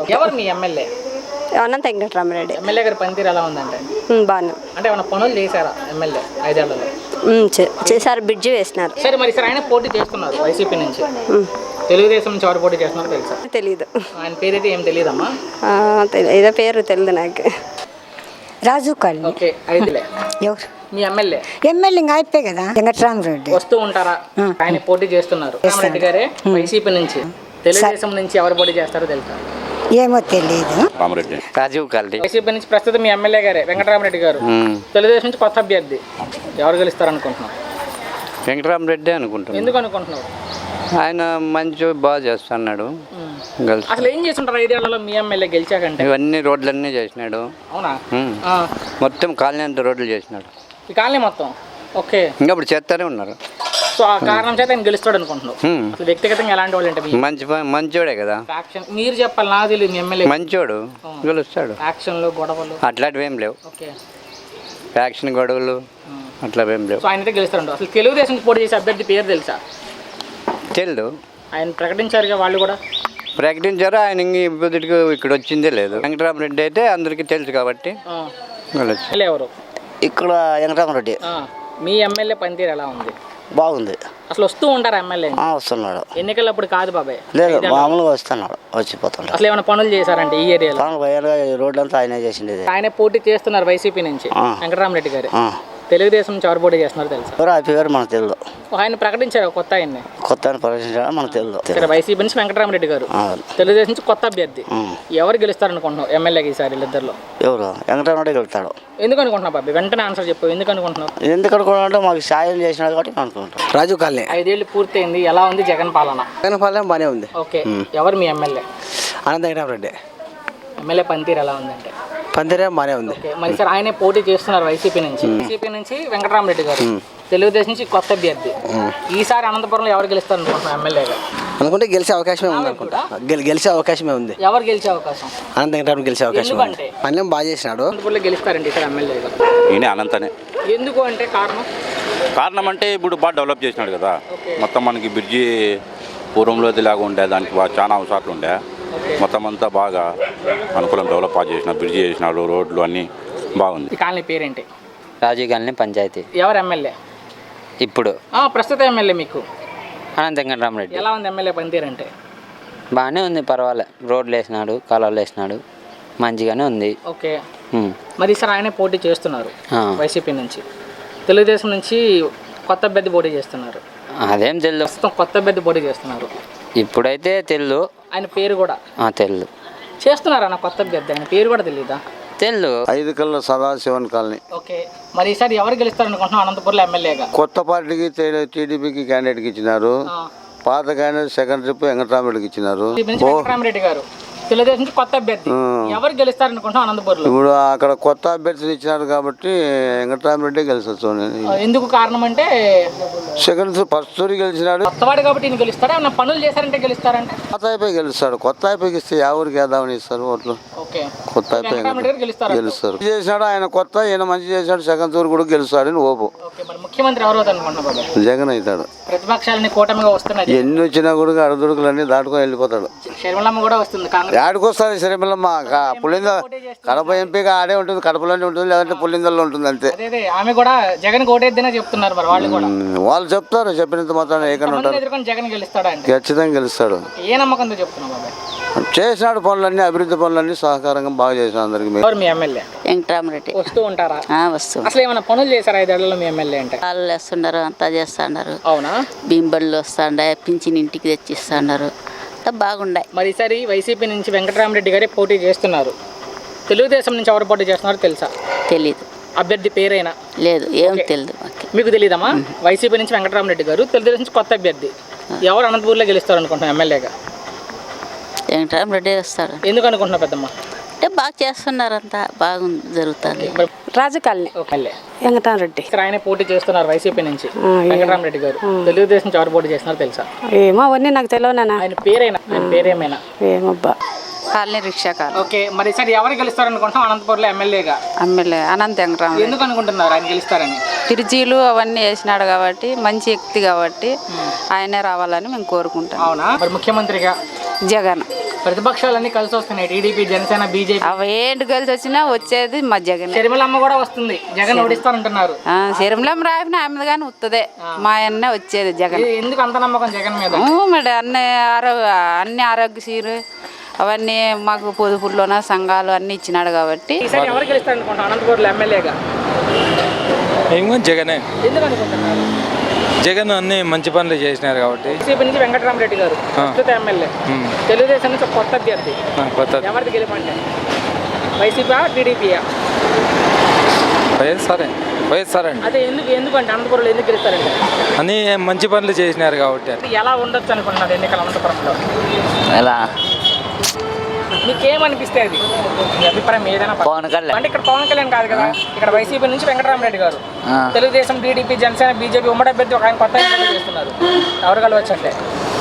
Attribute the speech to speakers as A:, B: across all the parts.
A: ఎవరు మీ MLA?
B: Anantha Venkatarama Reddy.
A: MLA గారి పనితీరు ఎలా ఉందంటే?
B: బాగా
A: అంటే ఏమైనా పనులు చేశారా ఎమ్మెల్యే 5 ఏళ్లలో?
B: చేశారు, బ్రిడ్జి వేసినారు.
A: సరే, మరి సార్ ఆయన పోటీ చేస్తున్నారు వైసీపీ నుంచి, తెలుగుదేశం నుంచి ఎవరు పోటీ చేస్తున్నారు తెలుసా?
B: తెలీదు.
A: ఆయన పేరైతే ఏం తెలియదమ్మా?
B: ఏదో పేరు తెలియదు నాకు.
C: రాజు కాలనీ.
A: ఓకే, అయితేలే.
C: ఎవరు
A: మీ ఎమ్మెల్యే?
C: ఎమ్మెల్యే ఇంకా అయిపోయి కదా, వెంకటరామరెడ్డి.
A: వస్తూ ఉంటారా? ఆయన పోటీ చేస్తున్నారు. రామరెడ్డి గారే వైసీపీ నుంచి. తెలుగుదేశం నుంచి ఎవరు పోటీ చేస్తారో తెలుసా?
C: ఏమో తెలియదు.
D: రాజీవ్ కాలనీ.
A: వైసీపీ నుంచి ప్రస్తుతం మీ ఎమ్మెల్యే గారే వెంకటరామరెడ్డి గారు. తెలుగుదేశం నుంచి కొత్త అభ్యర్థి ఎవరు గెలుస్తారు అనుకుంటున్నావు?
D: వెంకటరామరెడ్డి అనుకుంటున్నాను.
A: ఎందుకు అనుకుంటున్నావు?
D: ఆయన మంచి బాగా చేస్తున్నాడు.
A: అసలు ఏం చేస్తుంటారు 5 ఏళ్లలో మీ ఎమ్మెల్యే గెలిచాకంటే?
D: ఇవన్నీ రోడ్లన్నీ చేసినాడు.
A: అవునా?
D: మొత్తం కాలనీ అంతా రోడ్లు చేసినాడు.
A: ఈ కాలనీ మొత్తం. ఓకే.
D: ఇంకా ఇప్పుడు చేస్తానే ఉన్నారు.
A: సో ఆ కారణం చేత ఆయన గెలుస్తాడు అనుకుంటున్నావు. అసలు వ్యక్తిగతంగా ఎలాంటి వాళ్ళు అంటే?
D: మంచోడే కదా.
A: మీరు చెప్పాలి, నాకు తెలియదు. మీ ఎమ్మెల్యే
D: మంచోడు, గెలుస్తాడు.
A: యాక్షన్లు గొడవలు
D: అట్లాంటివి ఏం లేవు.
A: ఓకే.
D: యాక్షన్ గొడవలు అట్లా ఏం లేవు.
A: సో ఆయన అయితే గెలుస్తాడు. అసలు తెలుగుదేశం పోటీ చేసే అభ్యర్థి పేరు తెలుసా?
D: తెలీదు.
A: ఆయన ప్రకటించారుగా, వాళ్ళు కూడా
D: ప్రకటించారు. ఆయన ఇప్పటికి ఇక్కడ వచ్చిందే లేదు. వెంకటరామరెడ్డి అయితే అందరికీ తెలుసు కాబట్టి
A: ఎవరు
E: ఇక్కడ వెంకటరామరెడ్డి.
A: మీ ఎమ్మెల్యే పనితీరు ఎలా ఉంది?
E: బాగుంది.
A: అసలు వస్తూ ఉంటారు ఎమ్మెల్యే?
E: వస్తున్నాడు.
A: ఎన్నికలప్పుడు కాదు బాబాయ్,
E: లేదు మామూలుగా వస్తున్నాడు, వచ్చిపోతున్నాడు.
A: అసలు ఏమైనా పనులు చేశారంటే ఈ ఏరియాలో?
E: రోడ్లు అంతా ఆయనే చేసింది.
A: ఆయన పోటీ చేస్తున్నారు వైసీపీ నుంచి, వెంకటరామరెడ్డి గారు. తెలుగుదేశం నుంచి ఎవరు పోటీ చేస్తున్నారు తెలుసా?
E: అయిపోయారు మనకు తెలియదు.
A: ఆయన ప్రకటించారు కొత్త ఆయన్ని.
E: కొత్త ఆయన ప్రకటించారు మనకు తెలియదు.
A: ఇక్కడ వైసీపీ నుంచి వెంకటరామరెడ్డి గారు, తెలుగుదేశం నుంచి కొత్త అభ్యర్థి. ఎవరు గెలుస్తారు అనుకుంటున్నావు ఎమ్మెల్యేకి ఈసారి వీళ్ళిద్దరిలో?
E: ఎవరు? వెంకటరామరెడ్డి గెలుస్తాడు.
A: ఎందుకు అనుకుంటున్నావు బాబాయ్? వెంటనే ఆన్సర్ చెప్పు. ఎందుకు అనుకుంటున్నావు?
E: ఎందుకు అనుకుంటున్నా, మాకు సాయం చేసినాడు కాబట్టి అనుకుంటాం.
F: రాజు కాలనీ.
A: 5 ఏళ్ళు పూర్తయింది. ఎలా ఉంది జగన్ పాలన?
F: జగన్ పాలన బాగానే ఉంది.
A: ఓకే. ఎవరు మీ ఎమ్మెల్యే?
F: అనంత వెంకటరామరెడ్డి.
A: ఎమ్మెల్యే పనితీరు ఎలా ఉందంటే?
F: పందిరే బాగానే ఉంది.
A: మరి సార్ ఆయనే పోటీ చేస్తున్నారు వైసీపీ నుంచి. వైసీపీ నుంచి వెంకటరామరెడ్డి గారు, తెలుగుదేశం నుంచి కొత్త అభ్యర్థి. ఈసారి అనంతపురంలో ఎవరు గెలుస్తారు అనుకుంటున్నాం ఎమ్మెల్యేగా?
F: అనుకుంటే గెలిచే అవకాశమే ఉంది అనుకుంటా. గెలిచే అవకాశమే ఉంది.
A: ఎవరు గెలిచే అవకాశం?
F: అనంత వెంకటరామరెడ్డి గెలిచే అవకాశం ఉంది. పనులు బాగా చేసినాడు.
A: అనంతపురంలో గెలుస్తారండి ఇక్కడ ఎమ్మెల్యేగా?
G: ఈయన అనంతనే.
A: ఎందుకు అంటే
G: కారణం అంటే ఇప్పుడు బాగా డెవలప్ చేసినాడు కదా. మొత్తం మనకి బ్రిడ్జి పూర్వంలో లాగా ఉండే, దానికి బాగా చాలా అవసరాలు ఉండే. మొత్తం అంతా బాగా అనుకూలం డెవలప్ చేసినాడు. బ్రిడ్జి చేసినాడు, రోడ్లు అన్నీ బాగుంది.
A: ఈ కాలనీ పేరేంటి?
D: రాజీవ్ కాలనీ పంచాయతీ.
A: ఎవరు ఎమ్మెల్యే
D: ఇప్పుడు?
A: ప్రస్తుత ఎమ్మెల్యే మీకు
D: అనంత వెంకటరామరెడ్డి.
A: ఎలా ఉంది ఎమ్మెల్యే పనితీరు అంటే?
D: బాగానే ఉంది, పర్వాలే. రోడ్లు వేసినాడు, కాలువలు వేసినాడు, మంచిగానే ఉంది.
A: ఓకే. మరి సార్ ఆయనే పోటీ చేస్తున్నారు వైసీపీ నుంచి. తెలుగుదేశం నుంచి కొత్త అభ్యర్థి పోటీ చేస్తున్నారు.
D: అదేం తెలియదు.
A: ప్రస్తుతం కొత్త అభ్యర్థి పోటీ చేస్తున్నారు.
D: ఇప్పుడైతే తెలియదు.
A: ఆయన పేరు కూడా
D: తెలియదు.
A: చేస్తున్నారు అన్న కొత్త అభ్యర్థి, ఆయన పేరు కూడా తెలీదా?
D: తెలియదు.
E: 5 కల్లా సదాశివన్ కాలనీ.
A: ఓకే. మరి ఈసారి ఎవరు గెలుస్తారు అనుకుంటున్నాం అనంతపురంలో ఎమ్మెల్యేగా?
E: కొత్త పార్టీకి టీడీపీకి క్యాండిడేట్కి ఇచ్చినారు. పాత క్యాండిడేట్ సెకండ్ ట్రిప్ వెంకటరామరెడ్డికి ఇచ్చినారు.
A: వెంకటరామరెడ్డి గారు తెలుగుదేశం నుంచి కొత్త అభ్యర్థి. ఎవరు గెలుస్తారు అనుకుంటున్నాం అనంతపురంలో?
E: ఇప్పుడు అక్కడ కొత్త అభ్యర్థిని ఇచ్చినారు కాబట్టి వెంకటరామరెడ్డి గెలిచొచ్చు.
A: ఎందుకు కారణం అంటే
E: సెకండ్ ఫస్ట్ తూరి గెలిచినాడు.
A: కొత్తవాడు కాబట్టి ఈయన గెలుస్తారా? ఏమన్నా పనులు చేశారంటే గెలుస్తారంటే?
E: కొత్త అయిపోయి గెలుస్తాడు. కొత్త అయిపోయి ఇస్తే ఎవరికి వేద్దామని ఇస్తారు ఓట్లు.
A: ఓకే.
E: కొత్త అయిపోయి
A: గెలుస్తారు.
E: చేసినాడు ఆయన కొత్త, ఈయన మంచి చేశాడు. సెకండ్ తూరు కూడా గెలుస్తాడని ఓపు.
A: మరి ముఖ్యమంత్రి ఎవరు అనుకుంటున్నారు?
E: జగన్ అవుతాడు.
A: ప్రతిపక్షాలని కూటమిగా వస్తున్నాయి.
E: ఎన్ని వచ్చినా కూడా అడుదుడుకులన్నీ దాటుకొని వెళ్ళిపోతాడు.
A: శర్మలమ్మ కూడా వస్తుంది.
E: ఆడికొస్తారు శరీరమ్మ. పులింద కడప ఎంపీగా ఆడే ఉంటుంది, కడపలోనే ఉంటుంది, లేదంటే పులిందల్లో ఉంటుంది అంతే.
A: ఆమె కూడా జగన్ ఓటేద్దని చెప్తున్నారు. మరి వాళ్ళు
E: చెప్తారు, చెప్పినంత మాత్రం ఏకన్నా ఉంటారు.
A: జగన్ గెలుస్తాడా?
E: ఖచ్చితంగా గెలుస్తాడు.
A: ఏ నమ్మకంతో చెప్తున్నావు?
E: చేసినాడు పనులన్నీ, అభివృద్ధి పనులన్నీ సహకారంగా బాగా చేసిన అందరికి.
A: మీ ఎమ్మెల్యే
B: వెంకటరామరెడ్డి.
A: వస్తూ ఉంటారా?
B: వస్తూ.
A: అసలు ఏమైనా పనులు చేశారు 5 ఏళ్లలో మీ ఎమ్మెల్యే అంటే?
B: కాళ్ళు వేస్తున్నారు, అంతా చేస్తున్నారు.
A: అవునా?
B: బింబళ్ళు వస్తాండే, పింఛన్ ఇంటికి తెచ్చిస్తున్నారు, బాగుండే.
A: మరి ఈసారి వైసీపీ నుంచి వెంకటరామరెడ్డి గారే పోటీ చేస్తున్నారు. తెలుగుదేశం నుంచి ఎవరు పోటీ చేస్తున్నారో తెలుసా?
B: తెలీదు.
A: అభ్యర్థి పేరైనా?
B: లేదు, ఏం తెలియదు.
A: మీకు తెలీదమ్మా? వైసీపీ నుంచి వెంకటరామరెడ్డి గారు, తెలుగుదేశం నుంచి కొత్త అభ్యర్థి. ఎవరు అనంతపూర్లో గెలుస్తారు అనుకుంటున్నాం ఎమ్మెల్యేగా?
B: వెంకటరామరెడ్డి వస్తాడు.
A: ఎందుకు అనుకుంటున్నా పెద్దమ్మ?
B: అంటే బాగా చేస్తున్నారంతా, బాగుంది, జరుగుతుంది.
C: రాజు కాలనీ. వెంకటరామరెడ్డి.
A: ఆయన పోటీ చేస్తున్నారు వైసీపీ నుంచి, వెంకటరామరెడ్డి గారు. తెలుగుదేశం నుంచి ఎవరు పోటీ చేస్తున్నారో తెలుసా?
C: ఏమో అవన్నీ నాకు తెలియనా.
A: ఆయన పేరైనా? ఆయన పేరేమైనా?
C: ఏమబ్బా.
B: Colony rickshaw colony.
A: ఓకే. మరి సార్ ఎవరు గెలుస్తారు అనుకుంటున్నాం అనంతపురంలో ఎమ్మెల్యేగా?
B: ఎమ్మెల్యే అనంత వెంకటరామరెడ్డి.
A: ఎందుకు అనుకుంటున్నారు ఆయన గెలుస్తారని?
B: తిరుజీలు అవన్నీ వేసినాడు కాబట్టి, మంచి వ్యక్తి కాబట్టి ఆయనే రావాలని మేము కోరుకుంటాం.
A: అవునా? మరి ముఖ్యమంత్రిగా
B: జగన్.
A: ప్రతిపక్షాలన్నీ కలిసి వస్తున్నాయి, టీడీపీ, జనసేన, బీజేపీ.
H: అవి ఏంటి కలిసి వచ్చినా వచ్చేది మా జగన్.
A: షర్మిలమ్మ కూడా వస్తుంది, జగన్ ఓడిస్తానంటున్నారు.
H: శరీరంలో రాయిన ఆమె కానీ వస్తుంది, మా అన్నే వచ్చేది జగన్.
A: ఎందుకు అంత నమ్మకం జగన్ మీద?
H: మరి అన్ని ఆరోగ్యశ్రీలు అవన్నీ మాకు పొదుపుల్లోన సంఘాలు అన్ని ఇచ్చినాడు కాబట్టి.
A: ఈసారి ఎవరు గెలుస్తారు అనుకుంటున్నాం అనంతపురంలో ఎమ్మెల్యేగా?
I: జగనే.
A: ఎందుకు అనుకుంటున్నారు?
I: జగన్ అన్ని మంచి పనులు చేసినారు కాబట్టి.
A: వైసీపీ నుంచి వెంకటరామరెడ్డి గారు ప్రస్తుత ఎమ్మెల్యే, తెలుగుదేశం నుంచి కొత్త అభ్యర్థి. ఎవరిది గెలుపంటే? వైసీపీ, టీడీపీయా?
I: వైఎస్ఆర్ అండి.
A: అదే ఎందుకంటే అనంతపురంలో ఎందుకు గెలుస్తారంటే
I: అన్ని మంచి పనులు చేసినారు కాబట్టి.
A: ఎలా ఉండొచ్చు అనుకుంటున్నారు ఎన్నికల అనంతపురంలో?
F: ఎలా
A: మీకేమనిపిస్తే అది మీ అభిప్రాయం ఏదైనా అంటే ఇక్కడ పవన్ కళ్యాణ్ కాదు కదా, ఇక్కడ వైసీపీ నుంచి వెంకటరామరెడ్డి గారు, తెలుగుదేశం, టీడీపీ, జనసేన, బీజేపీ ఉమ్మడి అభ్యర్థి ఒక ఆయన కొత్త ఎన్నికలు చేస్తున్నారు. ఎవరు కలవచ్చు అంటే?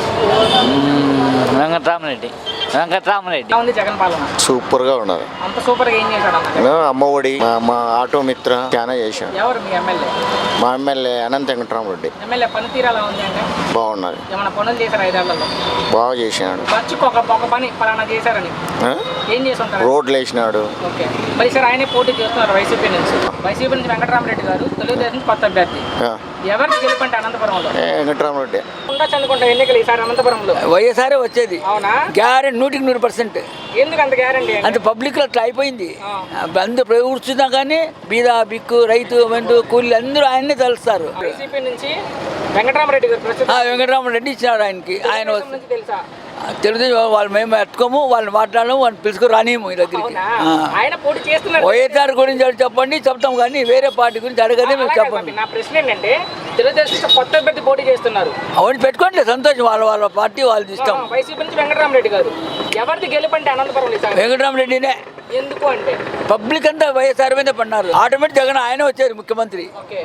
F: వెంకటరామరెడ్డి.
A: ఉంది జగన్ పాలన
E: సూపర్గా ఉన్నారు.
A: అంత సూపర్ గా ఏం చేశాడు అన్న?
E: అమ్మఒడి, మా ఆటో మిత్ర చాలా చేశాడు.
A: ఎవరు మీ ఎమ్మెల్యే?
E: మా ఎమ్మెల్యే అనంత వెంకటరామరెడ్డి.
A: ఎమ్మెల్యే పనితీరు ఎలా ఉంది అంటే?
E: బాగున్నది,
A: ఏమైనా పనులు చేశారు 5 ఏళ్లలో?
E: బాగా చేసినాడు.
A: ఖర్చుకు ఒక పని పలానా చేశారని ఏం చేసి ఉంటారు?
E: రోడ్లు వేసినాడు.
A: ఓకే, మరి సార్ ఆయనే పోటీ చేస్తున్నారు వైసీపీ నుంచి. వైసీపీ నుంచి వెంకటరామరెడ్డి గారు, తెలుగుదేశం కొత్త అభ్యర్థి. ఎవరికి గెలుపంటే అనంతపురంలో?
E: వెంకటరామరెడ్డి
A: ఉండొచ్చు అనుకుంటా ఎన్నికలు ఈసారి అనంతపురంలో.
J: వైఎస్ఆర్ వచ్చేది.
A: అవునా?
J: గ్యారెంటీ 100%.
A: ఎందుకు అంత గ్యారంటీ?
J: అంత పబ్లిక్ లో అట్లా అయిపోయింది. అందరూ కూర్చున్నా కానీ బీద, బిక్కు, రైతు, వెంటు, కూలీలు అందరూ ఆయన్నే తలుస్తారు.
A: వైసీపీ నుంచి వెంకటరామరెడ్డి గారు ప్రస్తుతం
J: వెంకటరామరెడ్డి ఇచ్చినాడు ఆయనకి. ఆయన
A: నుంచి తెలుసా?
J: తెలుగుదేశం వాళ్ళు మేము ఎట్టుకోము, వాళ్ళని మాట్లాడము, వాళ్ళని పిలుచుకు రానియము ఈ దగ్గరికి.
A: ఆయన పోటీ చేస్తున్నారు.
J: వైఎస్ఆర్ గురించి చెప్పండి చెప్తాం, కానీ వేరే పార్టీ గురించి అడగదే మేము చెప్పండి.
A: నా ప్రశ్న ఏంటంటే తెలుగుదేశం కొత్త అభ్యర్థి పోటీ చేస్తున్నారు,
J: అవన్నీ పెట్టుకోండి, సంతోషం, వాళ్ళ పార్టీ వాళ్ళది ఇష్టం.
A: వైసీపీ నుంచి వెంకటరామరెడ్డి గారు, ఎవరిది గెలుపంటే అనంతపురం?
J: వెంకటరామరెడ్డినే.
A: ఎందుకు అంటే
J: పబ్లిక్ అంతా వైఎస్ఆర్ మీద పడినారు. ఆటోమేటిక్ జగన్ ఆయన వచ్చారు ముఖ్యమంత్రి.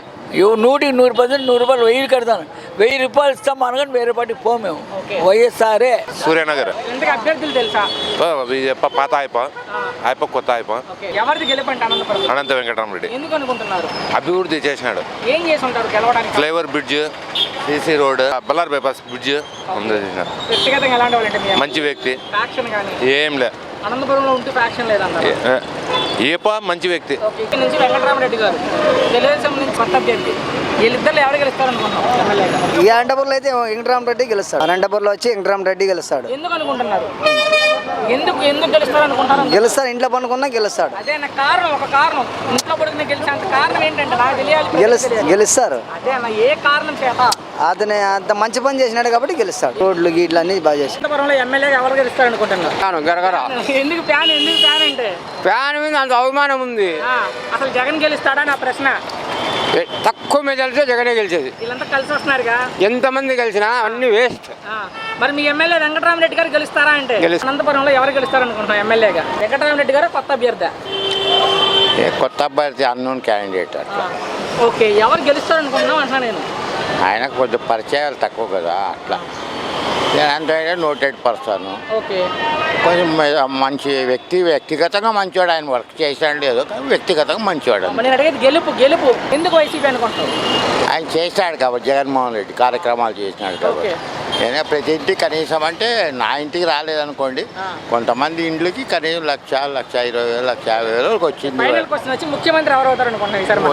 J: 100% 100 రూపాయలు 1000 కడతాను, 1000 రూపాయలు ఇస్తాం అనగానే వేరే పార్టీకి పోమేము. వైఎస్ఆర్ఏ.
K: సూర్యనగర్.
A: అభ్యర్థులు తెలుసా?
K: పాత అయిపో కొత్త అయిపో.
A: ఎవరిది గెలుపంటే అనంతపురం?
K: అనంత వెంకటరామరెడ్డి.
A: ఎందుకు అనుకుంటున్నారు?
K: అభివృద్ధి చేసినాడు.
A: ఏం చేసి ఉంటారు గెలవడానికి?
K: Flyover bridge, CC road, Bellary bypass bridge.
A: వ్యక్తిగతంగా ఎలాంటి వాళ్ళంటే?
K: మంచి వ్యక్తి.
A: ఫ్యాక్షన్ కానీ
K: ఏం లే,
A: అనంతపురంలో ఉంటూ ఫ్యాక్షన్ లేదన్నారు.
K: ఏపా మంచి వ్యక్తి.
A: ఇక్కడ నుంచి వెంకటరామరెడ్డి గారు, తెలుగుదేశం నుంచి కొత్త అభ్యర్థి, వీళ్ళిద్దరు ఎవరు గెలుస్తారనుకున్నాం ఎమ్మెల్యేగా?
F: ఈ అనంతపురంలో అయితే వెంకటరామరెడ్డి గెలుస్తాడు. అనంతపురంలో వచ్చి వెంకటరామరెడ్డి గెలుస్తాడు.
A: ఎందుకు అనుకుంటున్నారు? ఎందుకు గెలుస్తారు అనుకుంటారు?
F: గెలుస్తాడు, ఇంట్లో పనుకున్నా గెలుస్తాడు.
A: అదే నా కారణం, ఒక కారణం ఇంట్లో పడుకునే గెలిచేంత కారణం ఏంటంటే నాకు తెలియాలి.
F: గెలుస్తారు.
A: అదే అన్న, ఏ కారణం చేత?
F: అతనే అంత మంచి పని చేసినాడు కాబట్టి గెలుస్తాడు. రోడ్లు గీట్లు అన్ని బాగా చేస్తాడు.
A: అనంతపురంలో ఎమ్మెల్యేగా ఎవరు గెలుస్తారు అనుకుంటున్నారు? ఎందుకు ఫ్యాన్ అంటే?
J: ఫ్యాన్ మీద అంత అవమానం ఉంది.
A: అసలు జగన్ గెలుస్తాడా నా ప్రశ్న.
J: తక్కువ మెజారిటీతో జగనే గెలిచేది.
A: వీళ్ళంతా కలిసి వస్తున్నారుగా,
J: ఎంతమంది గెలిచినా అన్ని వేస్ట్.
A: మరి మీ ఎమ్మెల్యే వెంకటరామరెడ్డి గారు గెలుస్తారా అంటే? అనంతపురంలో ఎవరు గెలుస్తారు అనుకుంటాం ఎమ్మెల్యేగా? వెంకటరామరెడ్డి గారు కొత్త అభ్యర్థి?
E: కొత్త అభ్యర్థి అన్నోన్ క్యాండిడేట్. అట్లా
A: ఓకే, ఎవరు గెలుస్తారు అనుకుంటున్నాం అంటున్నా నేను.
E: ఆయనకు కొంచెం పరిచయాలు తక్కువ కదా, అట్లా అంటే నోటెడ్ పర్సన్.
A: ఓకే,
E: కొంచెం మంచి వ్యక్తి, వ్యక్తిగతంగా మంచివాడు. ఆయన వర్క్ చేశాడు లేదు, కానీ వ్యక్తిగతంగా మంచివాడు.
A: నేను అడిగేది గెలుపు ఎందుకు వైసీపీ అనుకుంటాం?
E: ఆయన చేశాడు కాబట్టి, జగన్మోహన్ రెడ్డి కార్యక్రమాలు చేసినాడు కాబట్టి. నేనే ప్రతి ఇంటికి కనీసం, అంటే నా ఇంటికి రాలేదనుకోండి, కొంతమంది ఇండ్లకి కనీసం 1,20,000, 1,50,000 వచ్చింది.
A: ముఖ్యమంత్రి ఎవరు అవుతారు అనుకుంటున్నాను?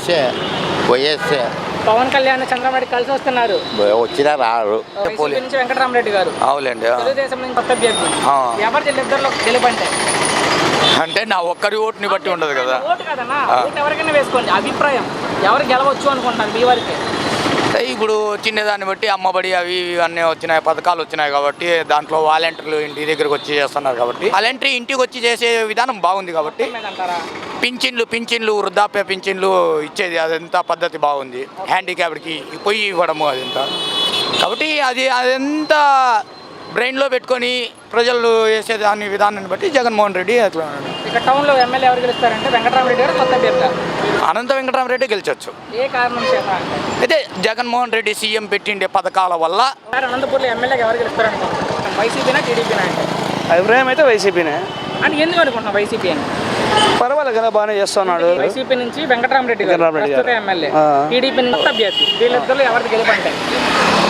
E: వైఎస్ఏ
A: పవన్ కళ్యాణ్, చంద్రబాబు కలిసి వస్తున్నారు.
E: వచ్చినా రారు.
A: నుంచి వెంకటరామరెడ్డి గారు,
I: అవునండి.
A: తెలుగుదేశం నుంచి కొత్త అభ్యర్థి. ఎవరి ఇద్దరిలో గెలుపంటే?
I: అంటే నా ఒక్కరి ఓటుని బట్టి ఉండదు కదా.
A: ఓటు కదన్నా, ఓటు ఎవరికైనా వేసుకోండి. అభిప్రాయం ఎవరు గెలవచ్చు అనుకుంటారు మీ వారికి?
I: ఇప్పుడు చిన్నదాన్ని బట్టి అమ్మబడి అవి అన్నీ వచ్చినాయి, పథకాలు వచ్చినాయి కాబట్టి దాంట్లో వాలంటీర్లు ఇంటి దగ్గరకు వచ్చి చేస్తున్నారు కాబట్టి, వాలంటీర్ ఇంటికి వచ్చి చేసే విధానం బాగుంది కాబట్టి. పింఛన్లు వృద్ధాప్య పింఛన్లు ఇచ్చేది అదంతా పద్ధతి బాగుంది. హ్యాండిక్యాప్డ్కి పొయ్యి ఇవ్వడము అదంతా కాబట్టి అదంతా బ్రెయిన్లో పెట్టుకొని ప్రజలు వేసే దాని విధానాన్ని బట్టి జగన్మోహన్ రెడ్డి అట్లా.
A: ఇక్కడ టౌన్లో ఎమ్మెల్యే ఎవరు గెలుస్తారంటే వెంకటరామరెడ్డి గారు కొత్త అభ్యర్థి?
I: అనంత వెంకటరామరెడ్డి గెలిచొచ్చు.
A: ఏ కారణం చేత?
I: అయితే జగన్మోహన్ రెడ్డి సీఎం పెట్టిండే పథకాల వల్ల.
A: అనంతపూర్లో ఎమ్మెల్యేగా ఎవరు గెలుస్తారనుకుంటున్నారు? వైసీపీనా, టీడీపీనా అంటే?
J: అభిప్రాయం అయితే వైసీపీనే.
A: అంటే ఎందుకు అనుకుంటున్నాం వైసీపీ అని?
J: పర్వాలేదు కదా, బాగానే చేస్తున్నాడు.
A: వైసీపీ నుంచి వెంకటరామరెడ్డి గారు ప్రస్తుత ఎమ్మెల్యే, టీడీపీ కొత్త అభ్యర్థి, వీళ్ళిద్దరు ఎవరికి గెలుపంటే?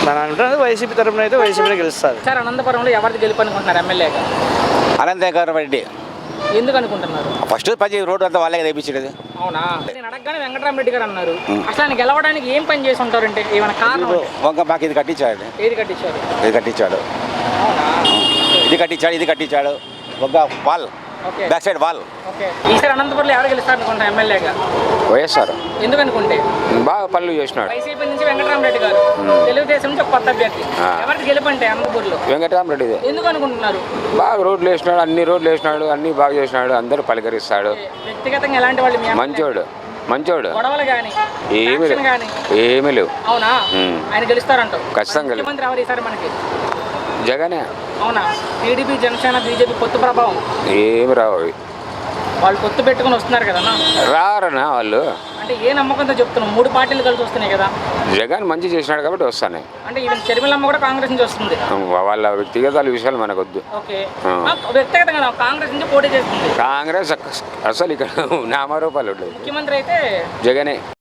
F: మన అంటున్నది వైసీపీ తరఫున అయితే వైసీపీనే గెలుస్తారు.
A: సార్ అనంతపురంలో ఎవరిది గెలుపు అనుకుంటున్నారు ఎమ్మెల్యేగా?
L: అనంతేశ్వర రెడ్డి
A: ఎందుకు అనుకుంటున్నారు?
L: ఫస్ట్ 10 రోడ్డు అంతా వాళ్ళే తెప్పించేది.
A: అవునా? నేను అడగగానే వెంకటరామరెడ్డి గారు అన్నారు. అసలు ఆయన గెలవడానికి ఏం పని చేసి ఉంటారంటే ఏమైనా కారణం ఉంటే?
L: వంక మాకు ఇది కట్టించాడు,
A: ఏది కట్టించారు?
L: ఇది కట్టించాడు,
A: అవునా?
L: ఇది కట్టించాడు ఒక wall,
A: okay
L: back side wall.
A: Okay. ఈసారి అనంతపురంలో ఎవరు గెలుస్తారు అనుకుంటారు ఎమ్మెల్యేగా?
L: వైఎస్ఆర్
A: ఎందుకు అనుకుంటే?
L: బాగా పనులు చేసినాడు.
A: వైసీపీ నుంచి వెంకటరామరెడ్డి గారు, తెలుగుదేశం నుంచి ఒక కొత్త అభ్యర్థి. ఎవరికి గెలుపు అంటే అనంతపురంలో?
L: వెంకటరామరెడ్డి
A: ఎందుకు అనుకుంటున్నారు?
L: బాగా రోడ్లు వేసినాడు, అన్ని రోడ్లు వేసినాడు, అన్ని బాగా చేసినాడు, అందరూ పలికరిస్తాడు.
A: వ్యక్తిగతంగా ఎలాంటి వాళ్ళు మీ
L: మంచోడు, మంచోడు.
A: గొడవలు కానీ
L: ఏమీ లేవు,
A: కానీ
L: ఏమీ లేవు.
A: అవునా? ఆయన గెలుస్తారంటావు?
L: ఖచ్చితంగా గెలుస్తారు.
A: ముఖ్యమంత్రి ఎవరు ఈసారి మనకి?
L: జగనే.
A: అవునా? టీడీపీ జనసేన బీజేపీ పొత్తు ప్రభావం
L: ఏమి రావు అవి.
A: వాళ్ళు పొత్తు పెట్టుకుని వస్తున్నారు కదా
L: రారనా వాళ్ళు.
A: అంటే ఏ నమ్మకంతో చెప్తున్నాం? 3 పార్టీలు కలిసి వస్తున్నాయి కదా.
L: జగన్ మంచి చేసినాడు కాబట్టి వస్తాయి.
A: అంటే ఈవెన్ షర్మిలమ్మ కూడా కాంగ్రెస్ నుంచి వస్తుంది.
L: వాళ్ళ వ్యక్తిగత విషయాలు మనకొద్దు.
A: ఓకే. వ్యక్తిగతంగా కాంగ్రెస్ నుంచి పోటీ చేస్తుంది.
L: కాంగ్రెస్ అసలు ఇక్కడ నామరూపాలు ఉండదు.
A: ముఖ్యమంత్రి అయితే
L: జగనే.